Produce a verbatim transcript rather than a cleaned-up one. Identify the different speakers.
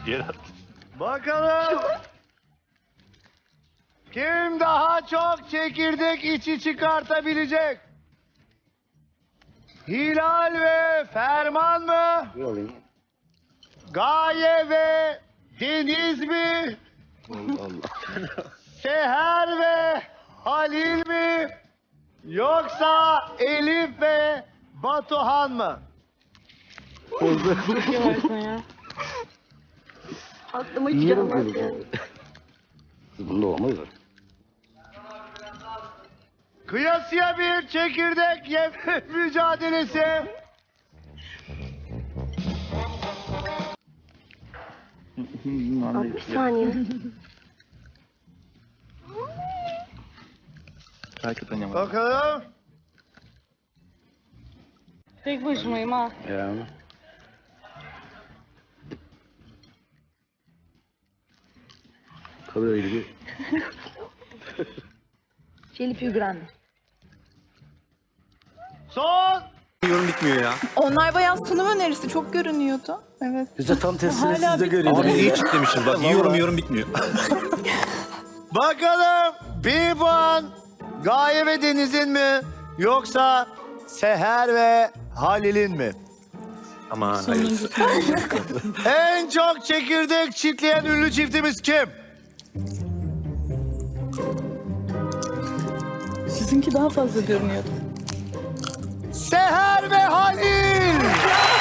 Speaker 1: Geri at.
Speaker 2: Bakalım. Kim daha çok çekirdek içi çıkartabilecek? Hilal ve Ferman mı? Gaye ve Deniz mi?
Speaker 3: Allah Allah.
Speaker 2: Seher ve Halil mi? Yoksa Elif ve Batuhan mı?
Speaker 4: Aklıma hiç
Speaker 3: Niye
Speaker 4: gelmez ya.
Speaker 3: bakıyorsun? Bunda olmaz mı?
Speaker 2: Kıyasıya bir çekirdek yeme mücadelesi.
Speaker 4: Abi bir saniye.
Speaker 1: Hakikaten yamadım.
Speaker 2: Bakalım.
Speaker 5: Tek başımayım ha.
Speaker 3: Ya. Kalıyor öyle bir.
Speaker 4: Jelly più grande.
Speaker 2: Son.
Speaker 6: Yorum bitmiyor ya.
Speaker 7: Onlar bayağı sunum önerisi çok görünüyordu. Evet.
Speaker 3: Biz tam tersini
Speaker 7: Hala
Speaker 3: siz de
Speaker 7: bir-
Speaker 3: görüyorsunuz.
Speaker 6: Abi iyi kitlemişiz bak. Yiyorum yorum bitmiyor.
Speaker 2: Bakalım bir puan Gaye ve Deniz'in mi yoksa Seher ve Halil'in mi?
Speaker 6: Aman hayır.
Speaker 2: En çok çekirdek çitleyen ünlü çiftimiz kim?
Speaker 7: Sizinki daha fazla görünüyordu.
Speaker 2: Seher ve Halil.